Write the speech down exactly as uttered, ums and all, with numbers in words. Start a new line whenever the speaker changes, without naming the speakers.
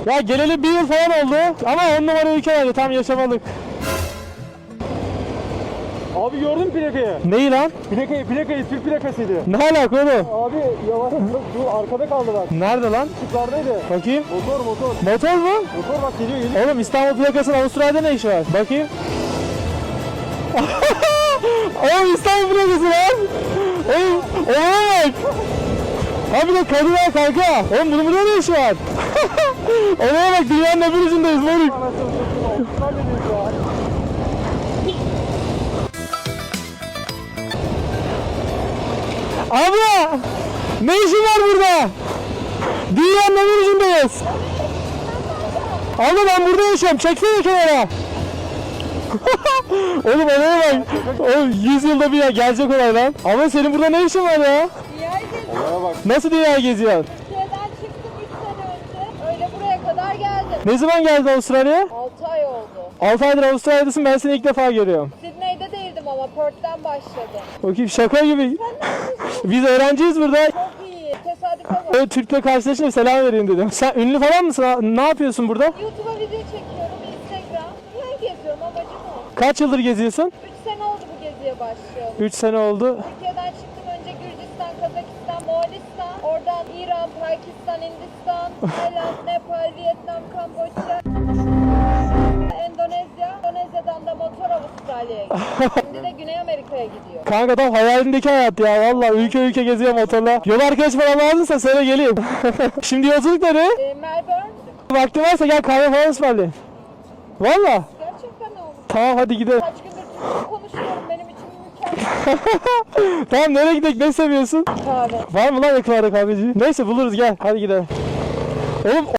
Ya geleli bir yıl falan oldu ama on numara ülke vardı, tam yaşamalık.
Abi gördün mü plakayı?
Neyi lan?
Plakayı, plakayı, Türk plakasıydı.
Ne alaka oğlum?
Abi yavaş, dur arkada kaldı bak.
Nerede lan?
Işıklardaydı.
Bakayım.
Motor, motor.
Motor mu?
Motor bak geliyor, geliyor.
Oğlum İstanbul plakasının Avustralya'da ne işi var? Bakayım. Oğlum İstanbul plakası lan. Oğlum, oğlum bak. Abi de kadın var kanka. Oğlum bunun burada ne işi var? Olaya bak, dünyanın öbür ucundayız moruk. Abla! Ne işin var burada? Dünyanın öbür ucundayız. Abla ben burada yaşıyorum. Çeksene kenara. Oğlum olaya bak. Oğlum yüz yılda bir ya gelecek olay lan. Ama senin burada ne işin var ya?
Dünyayı geziyorum.
bak.
Nasıl dünya geziyorsun?
Türkiye'den çıktım üç sene önce. Öyle buraya kadar geldim.
Ne zaman geldin Avustralya'ya?
altı ay oldu.
altı aydır Avustralya'dasın, ben seni ilk defa görüyorum.
Sydney'de değildim ama Perth'ten başladım.
Bakayım şaka gibi. Biz öğrenciyiz burada.
Çok iyi. Tesadüfe bak.
Öyle Türk'le karşılaşınca selam vereyim dedim. Sen ünlü falan mısın? Ne yapıyorsun burada?
YouTube'a video çekiyorum, Instagram. Dünyayı geziyorum, amacım o.
Kaç yıldır geziyorsun?
üç sene oldu bu geziye başlayalım.
üç sene oldu.
Türkiye'den çıktım önce Gürcistan, Kazakistan, Moğolistan. Oradan İran, Pakistan, Hindistan, Tayland, Nepal, Vietnam, Kamboçya. Endonezya. Endonezya'dan da motor Avustralya'ya gidiyor. Şimdi de Güney Amerika'ya gidiyor.
Kanka tam hayalindeki hayat ya, valla ülke ülke geziyor motorla. Yol arkadaş falan lazımsa söyle geleyim. Şimdi yolculuk nereye?
Ee, Melbourne.
Vaktin varsa gel kahve falan ısmarlayayım. Valla.
Gerçekten ne oldu?
Tamam hadi gidelim.
Kaç gündür Türkçe konuşuyorum, benim için mükemmel.
Tamam nereye gidelim, ne seviyorsun?
Kahve.
Var mı lan yakınlarda kahveci? Neyse buluruz, gel hadi gidelim. Oğlum